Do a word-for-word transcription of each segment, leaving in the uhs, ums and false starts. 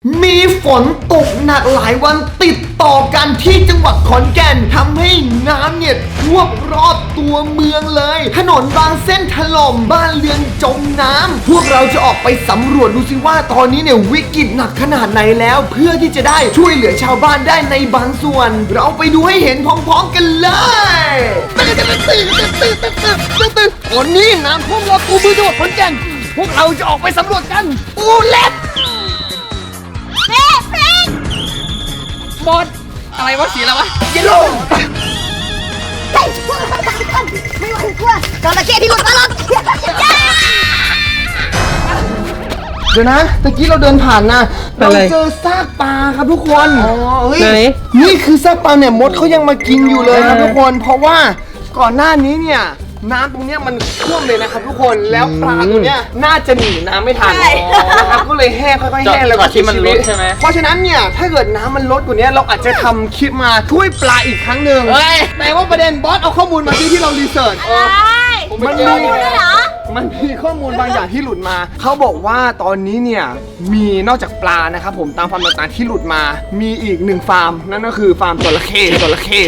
มีฝนตกหนักหลายวันติดต่อกันที่จังหวัดขอนแก่นทำให้น้ำเนี่ยท่วมรอบตัวเมืองเลยถนนบางเส้นถล่มบ้านเรือนจมน้ำพวกเราจะออกไปสำรวจดูสิว่าตอนนี้เนี่ยวิกฤตหนักขนาดไหนแล้วเพื่อที่จะได้ช่วยเหลือชาวบ้านได้ในบางส่วนเราไปดูให้เห็นพร้อมๆกันเลยตอนนี้น้ำท่วมรอบตัวเมืองจังหวัดขอนแก่นพวกเราจะออกไปสำรวจกันปูเล็บบอสอะไรวะสีอะไรวะเยลโล่ไม่ไหวกลัวจระเข้ที่หลุดมาหรอกเดี๋ยวนะตะกี้เราเดินผ่านนะเราเจอซากปลาครับทุกคนอ๋อเฮ้ยนี่คือซากปลาเนี่ยมดเขายังมากินอยู่เลยครับทุกคนเพราะว่าก่อนหน้านี้เนี่ยน้ำตรงเนี้ยมันท่วมเลยนะครับทุกคนแล้วปลาตัวเนี้ยน่าจะหนีน้ำไม่ทันนะครับก็เลยแห้งค่อยๆแห้งแล้วก็ที่มันลดใช่ไหมเพราะฉะนั้นเนี่ยถ้าเกิดน้ำมันลดกว่านี้เราอาจจะทำคลิปมาช่วยปลาอีกครั้งหนึ่งแต่ว่าประเด็นบอสเอาข้อมูลมาที่ที่เรารีเสิร์ชมันมีมันมีข้อมูลบางอย่างที่หลุดมาเขาบอกว่าตอนนี้เนี่ยมีนอกจากปลานะครับผมตามฟาร์มต่างๆที่หลุดมามีอีกหนึ่งฟาร์มนั่นก็คือฟาร์มจระเข้จระเข้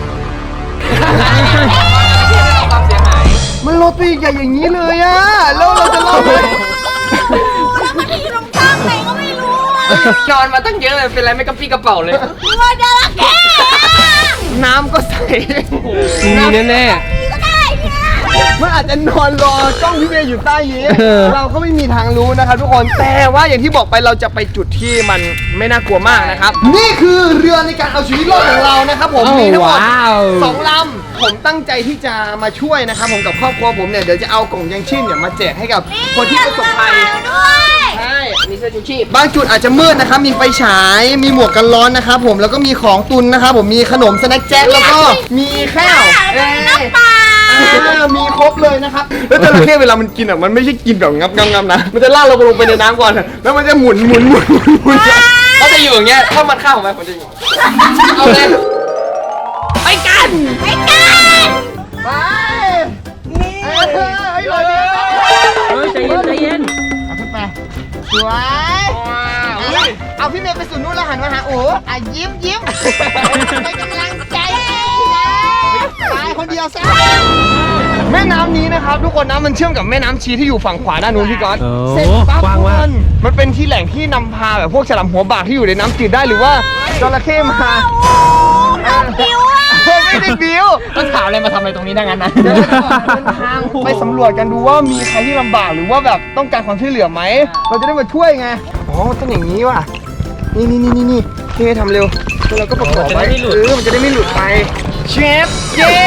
มันลดไปใหญ่อย่างนี้เลยอะแล้วเราจะรอดไหมแล้วมันที่ตรงกลางไหนก็ไม่รู้อ่ะนอนมาตั้งเยอะเลยเป็นไรไม่กระปี้กระเป๋าเลยตัวจระเข้น้ำก็ใสมีแน่แน่ก็ได้เนี่ยมันอาจจะนอนรอจ้องพี่เมย์อยู่ใต้นี้เราก็ไม่มีทางรู้นะครับทุกคนแต่ว่าอย่างที่บอกไปเราจะไปจุดที่มันไม่น่ากลัวมากนะครับนี่คือเรือในการเอาชีวิตรอดของเรานะครับผมมีทั้งหมดสองลำผมตั้งใจที่จะมาช่วยนะครับผมกับครอบครัวผมเนี่ยเดี๋ยวจะเอากล่องยังชีพเนี่ยมาแจกให้กับคนที่ประสบภัยใช่มีเสื้อชูชีพบางจุดอาจจะมืดนะครับมีไฟฉายมีหมวกกันร้อนนะครับผมแล้วก็มีของตุนนะครับผมมีขนมสแน็คแจ็คแล้วก็มีข้าวน้ำปลามีครบเลยนะครับแล้วจระเข้เวลามันกินอ่ะมันไม่ใช่กินแบบงับงับงับนะมันจะลากเราลงไปในน้ำก่อนแล้วมันจะหมุนหมุนหมุนหมุนหมุนก็จะอยู่อย่างเงี้ยถ้ามันเข้าของมันผมจะอยู่เอาเลยไปกันไปกันไปเฮ้ยเฮ้ยใจเย็นใจเย็นเอาขึ้นไปสวยเอาพี่เมย์ไปสู่นู้นแล้วหันมาหาโอ้อ่ะยิ้มยิ้มให้กำลังใจตายคนเดียวซะแม่น้ำนี้นะครับทุกคนน้ำมันเชื่อมกับแม่น้ำชีที่อยู่ฝั่งขวาด้านนู้นพี่ก๊อตเสร็จปั๊บทุกคนมันเป็นที่แหล่งที่นำพาแบบพวกฉลามหัวบากที่อยู่ในน้ำจืดได้หรือว่าจระเข้มาบิวอ่ะไม่ได้บิวต้องถามอะไรมาทำอะไรตรงนี้ดังนั้นนะเดินทางไปสำรวจกันดูว่ามีใครที่ลำบากหรือว่าแบบต้องการความช่วยเหลือไหมเราจะได้มาช่วยไงอ๋อต้องอย่างนี้ว่ะนี่นี่นี่นี่เคทำเร็วแล้วเราก็ประกอบไว้เออมันจะได้ไม่หลุดไปเชฟเย้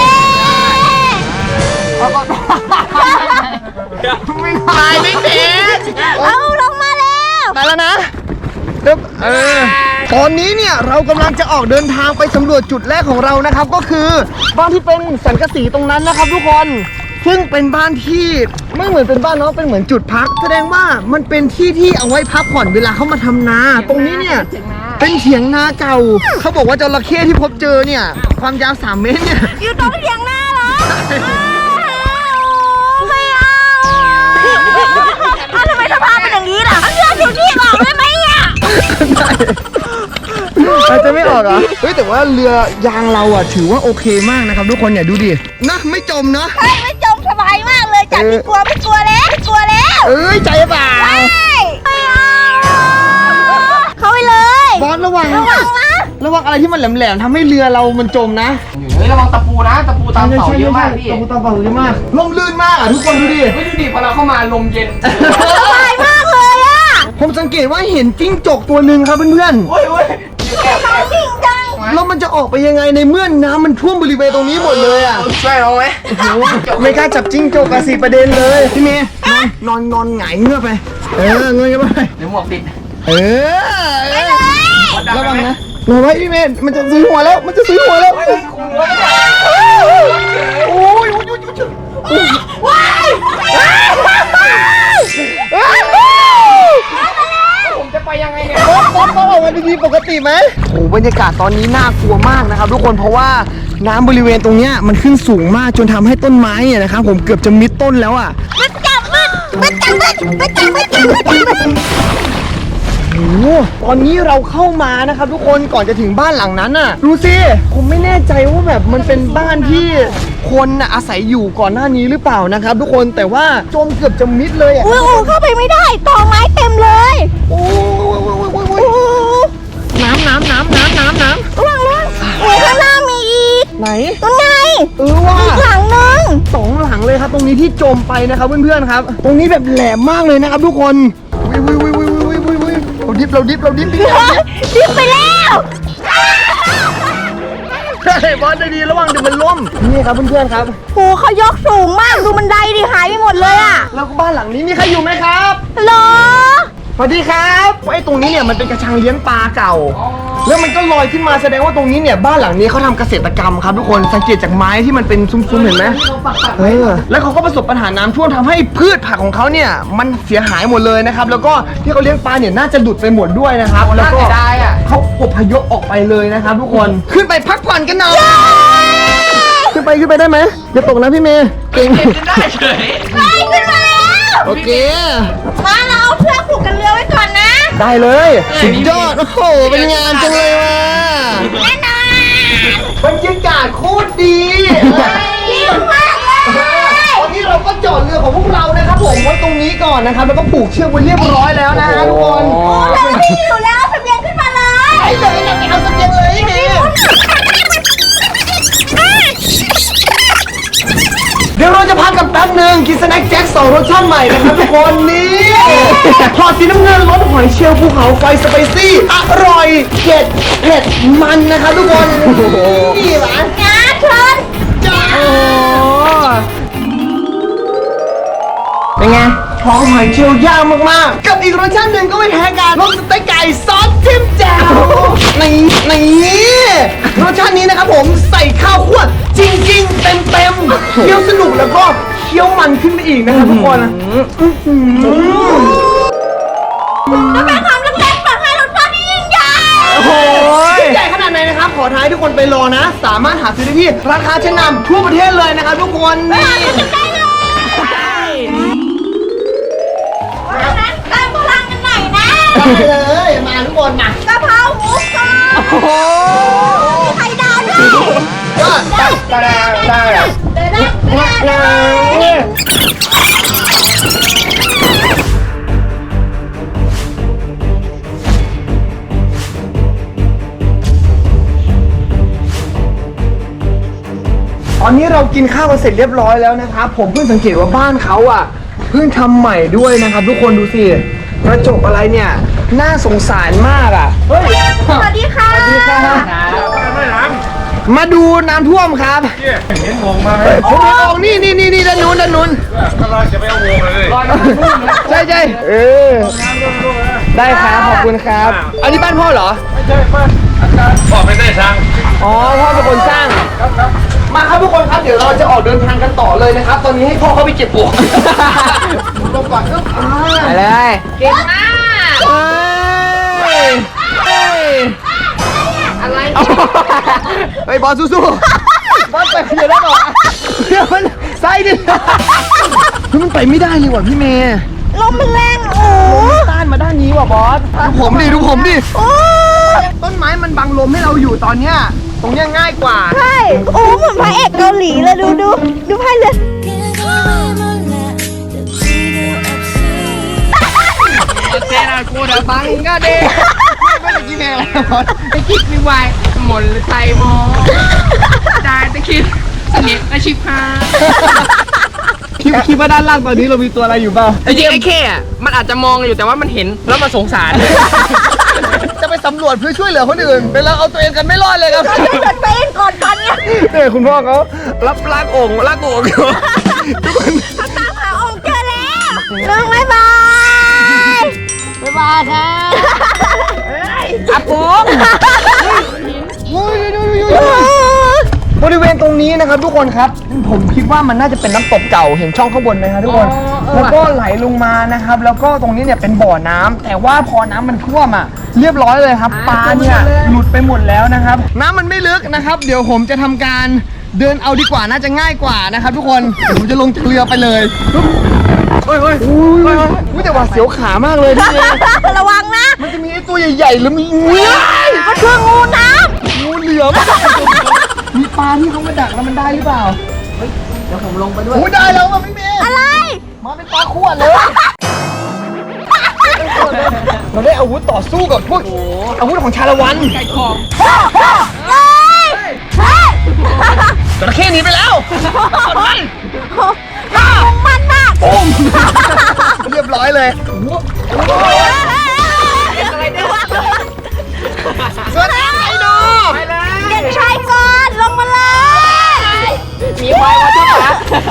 ไม่ตายไม่เด็ดเอาลงมาแล้วตายแล้วนะเออตอนนี้เนี่ยเรากำลังจะออกเดินทางไปสำรวจจุดแรกของเรานะครับก็คือบ้านที่เป็นสังกะสีตรงนั้นนะครับทุกคนซึ่งเป็นบ้านที่ไม่เหมือนเป็นบ้านเนาะเป็นเหมือนจุดพักแสดงว่ามันเป็นที่ที่เอาไว้พักผ่อนเวลาเขามาทำนาตรงนี้เนี่ยเป็นเถียงนาเก่าเขาบอกว่าจระเข้ที่พบเจอเนี่ยความยาวสามเมตรเนี่ยอยู่ตรงเถียงนาเหรอไม่เอาทำไมสภาพเป็นอย่างนี้ล่ะเลือดอยู่ที่ออกได้ไหมเนี่ยอาจจะไม่ออกเหรอเฮ้ยแต่ว่าเรือยางเราอ่ะถือว่าโอเคมากนะครับทุกคนเนี่ยดูดินะไม่จมเนาะไม่จมสบายมากเลยจากที่กลัวไม่กลัวแล้วไม่กลัวแล้วเอ้ยใจเปล่าไม่เอาเข้าไปเลยบอสระวังระวังนะระวังอะไรที่มันแหลมๆทำให้เรือเรามันจมนะเฮ้ยระวังตะปูนะตะปูตามเสาเยอะมากพี่ตะปูตามเสาเยอะมากลมลื่นมากอ่ะทุกคนดูดิไม่ดูดิพอเราเข้ามาลมเย็นสบายมากเลยอ่ะผมสังเกตว่าเห็นจิ้งจกตัวหนึ่งครับเพื่อนๆโอ้ยโอ้ยจริงจังแล้วมันจะออกไปยังไงในเมื่อน้ำมันท่วมบริเวณตรงนี้หมดเลยอ่ะช่วยเราไหมไม่กล้าจับจิ้งจกอะสิประเด็นเลยพี่เมย์นอนนอนหงายเงือกไปเออเงยกันไปเดี๋ยวหมวกติดเออระวังนะรอไว้พี่เมย์มันจะซื้อหัวแล้วมันจะซื้อหัวแล้วโอ้ยว้ายผมจะไปยังไงเนี่ยบอสบอสบอสออกมาดีๆปกติไหมโอ้บรรยากาศตอนนี้น่ากลัวมากนะครับทุกคนเพราะว่าน้ำบริเวณตรงเนี้ยมันขึ้นสูงมากจนทำให้ต้นไม้เนี่ยนะครับผมเกือบจะมิดต้นแล้วอ่ะมันจับมันมันจับมันมันจับมันจับมันจับตอนนี้เราเข้ามานะครับทุกคนก่อนจะถึงบ้านหลังนั้นน่ะดูสิผมไม่แน่ใจว่าแบบมันเป็นบ้านที่คนน่ะอาศัยอยู่ก่อนหน้านี้หรือเปล่านะครับทุกคนแต่ว่าจมเกือบจะมิดเลยอ่ะอุ้ยโอ้เข้าไปไม่ได้ตอไม้เต็มเลยโอ้ยน้ำน้ำน้ำน้ำน้ำน้ำระวังระวังโอ้ข้างหน้ามีอีกไหนตรงไงเออว่ะอีกหลังนึงสองหลังเลยครับตรงนี้ที่จมไปนะครับเพื่อนๆครับ ตรงนี้แบบแหลมมากเลยนะครับทุกคนวิววิววิววิววิววิววิวเราดิฟเราดิฟเราดิฟดิฟดิบไปแล้วใช่บอสได้ดีระวังเดี๋ยวมันล่มนี่ครับเพื่อนๆครับโอ้เขายกสูงมากดูบันไดดิหายไปหมดเลยอ่ะแล้วก็บ้านหลังนี้มีใครอยู่ไหมครับฮัลโหลสวัสดีครับไอ้ตรงนี้เนี่ยมันเป็นกระชังเลี้ยงปลาเก่า แล้วมันก็ลอยขึ้นมาแสดงว่าตรงนี้เนี่ยบ้านหลังนี้เขาทำเกษตรกรรมครับทุกคนสังเกตจากไม้ที่มันเป็นซุ้มๆเห็นไหมเออแล้วเขาก็ประสบปัญหาน้ำท่วมทำให้พืชผักของเขาเนี่ยมันเสียหายหมดเลยนะครับแล้วก็ที่เขาเลี้ยงปลาเนี่ยน่าจะหลุดไปหมดด้วยนะครับแล้วก็เขาอพยพออกไปเลยนะครับทุกคนขึ้นไปพักผ่อนกันหน่อยขึ้นไปขึ้นไปได้ไหมอย่าตกนะพี่เมย์เก่งได้เฉยไปขึ้นมาแล้วโอเคมาเราเอาเชือกผูกกันเรือไว้ก่อนนะได้เลยสุดยอดโอ้โหเป็นงานจังเลยว่ะแน่นอนบรรยากาศโคตรดีดีมากเลยตอนนี้เราก็จอดเรือของพวกเรานะครับผมไว้ตรงนี้ก่อนนะครับแล้วก็ผูกเชือกไว้เรียบร้อยแล้วนะฮะทุกคนเราไม่อยู่แล้วเสบียงขึ้นมาเลยไอ้เดี๋ยวเราไปเอาเสบียงเลยไอ้เมย์เดี๋ยวเราจะพักกันแป๊บหนึ่งกินสแน็คแจ็คสองรสชาติใหม่นะครับทุกคนนี่ทอดสีน้ำเงินรสหอยเชลล์ภูเขาไฟสไปซี่อร่อยเผ็ดเผ็ดมันนะครับทุกคนนี่หวานงาเชิญโอ้เป็นไงท้องหอยเชลล์ย่างมากๆ กับอีกรสชาติหนึ่งก็ไม่แพ้กันรสสเต็กไก่ซอสจิ้มแจ่วนี่นี่รสชาตินี้นะครับผมใส่ข้าวคั่วจริงๆ เต็มๆเคี้ยวสนุกแล้วก็เคี้ยวมันขึ้นไปอีกนะครับทุกคนก็เป็นความเล็กๆเปิดให้รสชาติที่ยิ่งใหญ่โอ้โหใหญ่ขนาดไหนนะครับ ขอท้ายทุกคนไปรอนะ สามารถหาซื้อได้ที่ราคาชั้นนำทั่วประเทศเลยนะครับทุกคนนี่เพราะฉะนั้นเติมพลังกันหน่อยนะไปเลยมาทุกคนมากะเพราหมูกรอบโอ้โหมีไข่ดาวด้วยยอดได้ได้ได้เดินได้เดินได้เดินได้ตอนนี้เรากินข้าวกันเสร็จเรียบร้อยแล้วนะครับผมเพิ่งสังเกตว่าบ้านเขาอ่ะเพิ่งทำใหม่ด้วยนะครับทุกคนดูสิกระจกอะไรเนี่ยน่าสงสารมากอ่ะเฮ้ยสวัสดีค่ะสวัสดีครับมาดูน้ำท่วมครับเห็นวงมาไหมผมเอาออกนี่นี่นี่นี่ด้านนู้นด้านนู้นกำลังจะไปเอาวงเลยใช่ใช่เออได้ครับขอบคุณครับอันนี้บ้านพ่อเหรอไม่ใช่ป้าอาจารย์บอกไม่ได้ทางอ๋อพ่อเป็นคนสร้างครับครับมาครับทุกคนครับเดี๋ยวเราจะออกเดินทางกันต่อเลยนะครับ ตอนนี้ให้พ่อเขาไปเก็บปลวกลงก่อนครับไปเลยเก่งมากเฮ้ยเฮ้ยอะไรเฮ้ยบอลสู้ๆบอลไปเดี๋ยวได้หรอเดี๋ยวมันไส้ดิคือมันไปไม่ได้เลยว่ะพี่เมย์ลมมันแรงโอ้ต้านมาด้านนี้ว่ะบอสดูผมดิดูผมดิโอ้ต้นไม้มันบังลมให้เราอยู่ตอนเนี้ยตรงเนี้ยง่ายกว่าใช่โอ้เหมือนพระเอกเกาหลีเลยดูดูดูพายเรือเจนากูเดบังก็เด้ไม่ได้กินอะไรบอสตะคิดไม่ไหวหมดเลยไทยมอได้ตะคิดเสนียอาชีพฮาคิดคิดว่าด้านล่างตอนนี้เรามีตัวอะไรอยู่เปล่าจริงๆไอ้แค่อะมันอาจจะมองอยู่แต่ว่ามันเห็นแล้วมันสงสารจะไปสำรวจเพื่อช่วยเหลือคนอื่นเป็นเราเอาตัวเองกันไม่รอดเลยครับเราจะเต้นก่อนตอนเนี้ยเนี่ยคุณพ่อเขารับลากโอ่งลากโอ่งอยู่ทุกคนเขาตามหาองค์เจอแล้วน้องบ๊ายบายบ๊ายบายครับอาปูบริเวณตรงนี้นะครับทุกคนครับผมคิดว่ามันน่าจะเป็นน้ำตกเก่าเห็นช่องข้างบนไหมครับทุกคนแล้วก็ไหลลงมานะครับแล้วก็ตรงนี้เนี่ยเป็นบ่อน้ำแต่ว่าพอน้ำมันท่วมอ่ะเรียบร้อยเลยครับปลาเนี่ยหลุดไปหมดแล้วนะครับน้ำมันไม่ลึกนะครับ เดี๋ยวผมจะทำการเดินเอาดีกว่าน่าจะง่ายกว่านะครับทุกคนเดี๋ยวผมจะลงจากเรือไปเลยปุ๊บเฮ้ยเฮ้ยอุ้ยอุ้ยแต่ว่าเสียวขามากเลยพี่เมย์ระวังนะมันจะมีไอ้ตัวใหญ่ๆแล้วมีงูมันคืองูน้งูเหลือมมีปลาที่เขามาดักแล้วมันได้หรือเปล่าเดี๋ยวผมลงไปด้วยโอ้ยได้แล้วมาพี่เมย์ำอะไรมาเป็นปลาขวดเลยเราได้อาวุธต่อสู้กับพวกอาวุธของชาละวันไก่ของเลยเฮ้ยจระเข้หนีไปแล้วกดมันน่าของมันมากปุ้มเรียบร้อยเลยอะไรเนี่ยสวัสดีไอ้ดูไปเลยเด็กชายก่อนลงมาเลยมีควายมาด้วยนะ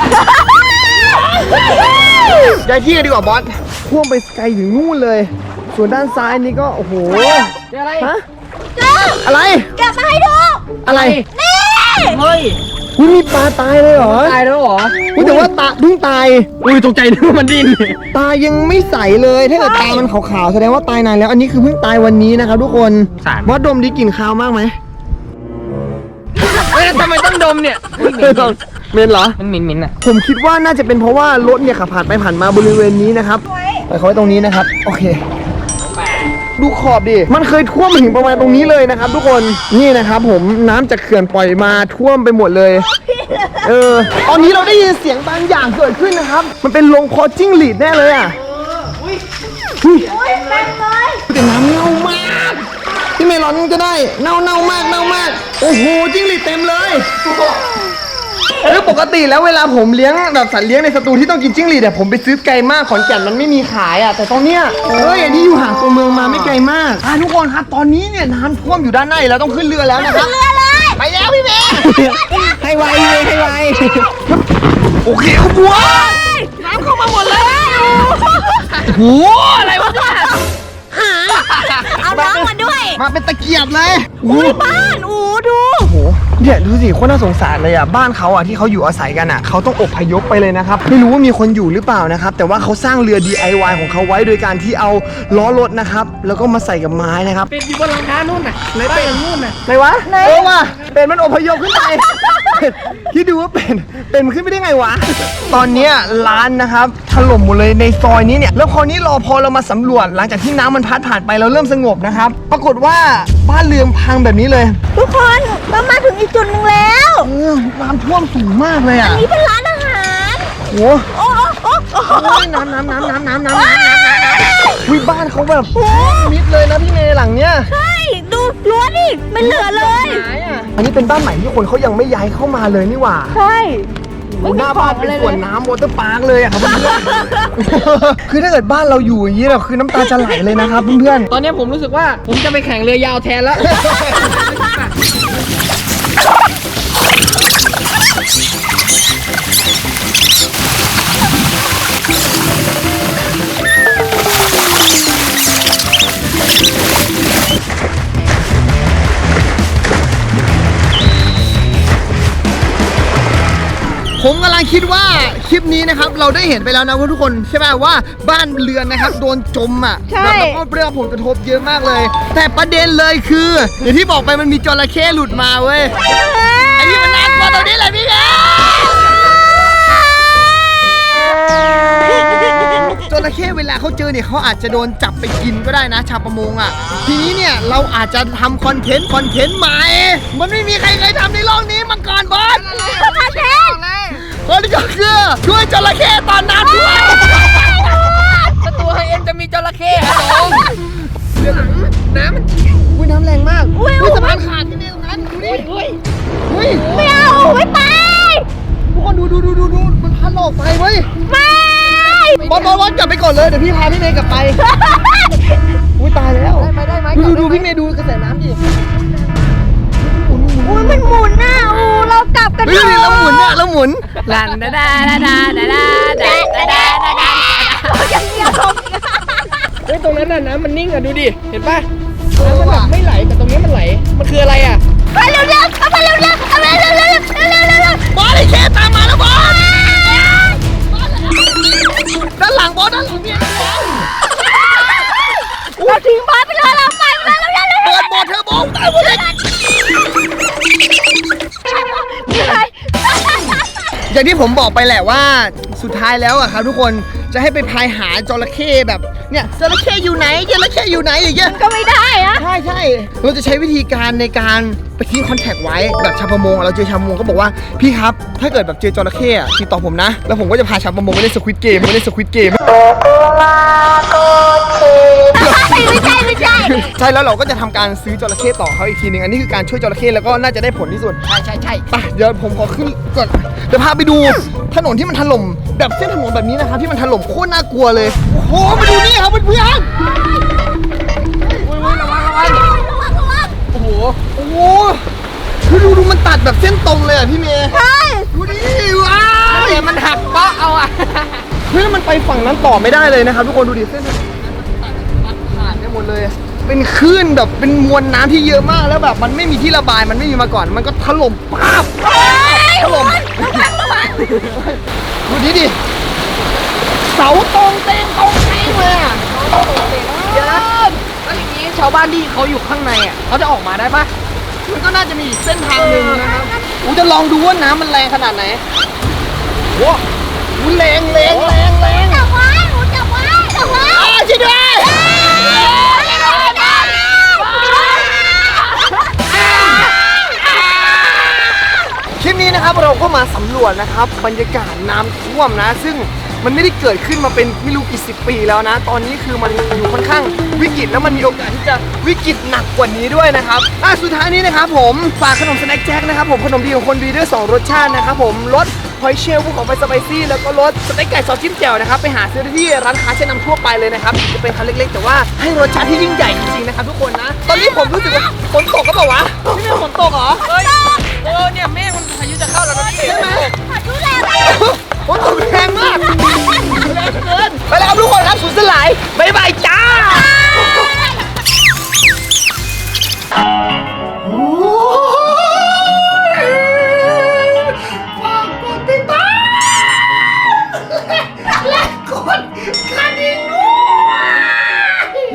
ย้ายที่กันดีกว่าบอสพ่วงไปไกลถึงนู่นเลย ส่วนด้านซ้ายนี่ก็โอ้โหเจออะไรฮะเจ้าอะไรเก็บมาให้ดูอะไรนี่เฮ้ยอุ้ยมีปลาตายเลยเหรอตายแล้วเหรออุ้ยแต่ว่าตาเพิ่งตายอุ้ยตกใจนึกว่ามันดิ้นตายังไม่ใสเลยถ้าเกิดตามันขาวๆแสดงว่าตายนานแล้ว อันนี้คือเพิ่งตายวันนี้นะครับทุกคนสารบอสดมดีกลิ่นคาวมากไหมเฮ้ยทำไมต้องดมเนี่ยเมนเหรอมันหมิ่นหมิ่นอ่ะผมคิดว่าน่าจะเป็นเพราะว่ารถเนี่ยขับผ่านไปผ่านมาบริเวณนี้นะครับไปเขาไว้ตรงนี้นะครับ โอเค ดูขอบดิ มันเคยท่วมมาถึงประมาณตรงนี้เลยนะครับ ทุกคน นี่นะครับผมน้ำจากเขื่อนปล่อยมาท่วมไปหมดเลย เออ ตอนนี้เราได้ยินเสียงบางอย่างเกิดขึ้นนะครับ มันเป็นลงคอจิ้งหรีดแน่เลยอ่ะอุ้ยอุ้ยเต็มเลยแต่น้ำเน่ามากพี่เมลอนก็ได้เน่าเน่ามากเน่ามาก โอ้โหจิ้งหรีดเต็มเลยเออปกติแล้วเวลาผมเลี้ยงแบบสัตว์เลี้ยงในสตูที่ต้องกินจิ้งหรีดเนี่ยผมไปซื้อไกลมากขอนแก่นมันไม่มีขายอ่ะแต่ตอนเนี้ยเอ้ยอันนี้อยู่ห่างตัวเมืองมาไม่ไกลมากอ่ะทุกคนครับตอนนี้เนี่ยน้ำท่วมอยู่ด้านในแล้วต้องขึ้นเรือแล้วนะครับเรือเลยไปแล้วพี่เมย์ให้ไวเลยให้ไวโอเคครับบัวน้ำเข้ามาหมดเลยโหอะไรวะเนี่ยเอาน้องมาด้วยมาเป็นตะเกียบเลยอุ้ยบ้านอูดูโอ้โหเนี่ยดูสิโคตรน่าสงสารเลยอ่ะบ้านเขาอ่ะที่เขาอยู่อาศัยกันอ่ะเขาต้องอพยพไปเลยนะครับไม่รู้ว่ามีคนอยู่หรือเปล่านะครับแต่ว่าเขาสร้างเรือ ดี ไอ วาย ของเขาไว้โดยการที่เอาล้อรถนะครับแล้วก็มาใส่กับไม้นะครับเป็นอยู่บนหลังคานู่นน่ะไหนเป็นนู่นน่ะไหนวะเออว่ะเป็นมันอพยพขึ้นไป ที่ดูว่าเป็นเป็นมันขึ้นไปได้ไงวะตอนเนี้ยร้านนะครับถล่มหมดเลยในซอยนี้เนี่ยแล้วคราวนี้รอพอเรามาสำรวจหลังจากที่น้ำมันพัดผ่านไปเราเริ่มสงบนะครับปรากฏว่าบ้านเรือนพังแบบนี้เลยทุกคนเรามาถึงอีกจุดหนึ่งแล้วเออน้ำท่วมสูงมากเลยอ่ะนี่เป็นร้านอาหารโหโอ้โอ้โอ้โอ้โอ้ยน้ำน้ำน้ำน้ำน้ำน้ำน้ำน้ำน้ำวิบ้านเขาแบบมิดเลยนะพี่เมย์หลังเนี้ยใช่ดูรั้วดิไม่เหลือเลยอันนี้เป็นบ้านใหม่ที่คนเขายังไม่ย้ายเข้ามาเลยนี่หว่าใช่หน้าบ้านเป็นสวนน้ำวอเตอร์พาร์คเลยอะครับเพื่อนๆ คือถ้าเกิดบ้านเราอยู่อย่างนี้เนี่ยคือน้ำตาจะไหลเลยนะครับเพื่อนตอนนี้ผมรู้สึกว่าผมจะไปแข่งเรือยาวแทนแล้วผมกำลังคิดว่าคลิปนี้นะครับเราได้เห็นไปแล้วนะทุกคนใช่ไหมว่าบ้านเรือนนะครับโดนจมอ่ะแบบแล้วก็เรื่องผลกระทบเยอะมากเลย แต่ประเด็นเลยคืออย่างที่บอกไปมันมีจระเข้หลุดมาเว้ยไอ้นี่มันน่ากลัวตรงนี้แหละพี่แม่จระเข้เวลาเขาเจอเนี่ยเขาอาจจะโดนจับไปกินก็ได้นะชาวประมงอ่ะทีนี้เนี่ยเราอาจจะทำคอนเทนต์คอนเทนต์ใหม่มันไม่มีใครเคยทำในโลกนี้มาก่อนบอสมาเทนคนนี้ก็คือช่วยจระเข้ตอนน้ำท่วมสตูไฮเอ็นจะมีจระเข้ครับผมน้ำมันอุ้ยน้ำแรงมากอุ้ยอุ้ยสะพานขาดที่นี่ตรงนั้นดูดิอุ้ยอุ้ยไม่เอาไม่ไปทุกคนดูดูดูดูดูมันพัดหลอกไปเว้ยไม่บอลบอลบอลกลับไปก่อนเลยเดี๋ยวพี่พาพี่เมย์กลับไป อุ้ยตายแล้วได้ไหมได้ไหมดูดูดูพี่เมย์ดูกระแสน้ำดิอุ้ยมันหมุนน่ะอูเรากลับกันเฮ้ยแล้วหมุนเนี่ยแล้วหมุนลันดาดาดาดาดาดาดาดาดาดาดาอย่างเดียวเฮ้ยตรงนั้นน่ะน้ำมันนิ่งอ่ะดูดิเห็นป่ะน้ำมันแบบไม่ไหลแต่ตรงนี้มันไหลมันคืออะไรอ่ะไปเร็วๆเอาไปเร็วๆเอาไปเร็วๆเร็วๆเร็วๆเร็วๆบอลไอ้เคตามมาแล้วบอลด้านหลังบอลด้านหลังเนี่ยเราทิ้งบอสไปเลยเราไปไปเร็วๆเร็วๆเปิดบอลเทอร์โบตายหมดเลย อย่างที่ผมบอกไปแหละว่าสุดท้ายแล้วอะครับทุกคนจะให้ไปพายหาจระเข้แบบเนี่ยจระเข้อยู่ไหนจระเข้อยู่ไหนอย่างเงี้ยก็ไม่ได้อะใช่ใช่เราจะใช้วิธีการในการไปทิ้งคอนแทคไว้แบบชาวประมงเราเจอชาวประมงก็บอกว่าพี่ครับถ้าเกิดแบบเจอจระเข้อะติดต่อผมนะแล้วผมก็จะพาชาวประมงไปเล่นสควิดเกมไปเล่นสควิดเกมไม่ใช่ไม่ใช่ใช่แล้วเราก็จะทำการซื้อจระเข้ต่อเขาอีกทีหนึงอันนี้คือการช่วยจระเข้แล้วก็น่าจะได้ผลที่สุดใช่ใช่ใช่ไปเดี๋ยวผมขอขึ้นก่อนเดี๋ยวพาไปดูถนนที่มันถล่มแบบเส้นถนนแบบนี้นะครับที่มันถล่มโคตรน่ากลัวเลยโอ้โหมาดูนี่ครับเพื่อนๆอุ้ยอุ้ยระวังระวังระวังระวังโอ้โหโอ้โหคือดูดูมันตัดแบบเส้นตรงเลยอ่ะพี่เมย์ใช่ดูดิว้าวเดี๋ยวมันหักเปาะเอาอะเฮ้ยมันไปฝั่งนั้นต่อไม่ได้เลยนะครับทุกคนดูดิเส้นถนนมันตัดขาดไปหมดเลยเป็นคลื่นแบบเป็นมวลน้ำที่เยอะมากแล้วแบบมันไม่มีที่ระบายมันไม่มีมาก่อน มันก็ถล่มป๊าบถล่มดูดิดิเสาตรงเต็งตรงเต็งเลยอ่ะเดี๋ยวนะแล้วอย่างนี้ชาวบ้านที่เขาอยู่ข้างในอ่ะเขาจะออกมาได้ปะมันก็น่าจะมีอีกเส้นทางหนึ่งนะครับอูจะลองดูว่าน้ำมันแรงขนาดไหนว้าวอูแรงแรงแรงแรงจับไว้หนูจับไว้จับไว้อ้าวช่วยด้วยคลิปนี้นะครับเราก็มาสำรวจนะครับบรรยากาศน้ำท่วมนะ ซึ่งมันไม่ได้เกิดขึ้นมาเป็นไม่รู้กี่สิบปีแล้วนะ ตอนนี้คือมันอยู่ค่อนข้างวิกฤตแล้วมันมีโอกาสที่จะวิกฤตหนักกว่านี้ด้วยนะครับอ่ะสุดท้ายนี้นะครับผมฝากขนมสแน็คแจ็คนะครับผมขนมดีของคนดีด้วยสองรสชาตินะครับผมรสหอยเชลล์ภูเขาไฟสไปซี่แล้วก็รสสเต็กไก่ซอสจิ้มแจ่วนะครับไปหาซื้อได้ที่ร้านค้าชั้นนำทั่วไปเลยนะครับจะเป็นคันเล็กๆแต่ว่าให้รสชาติที่ยิ่งใหญ่จริงๆนะครับทุกคน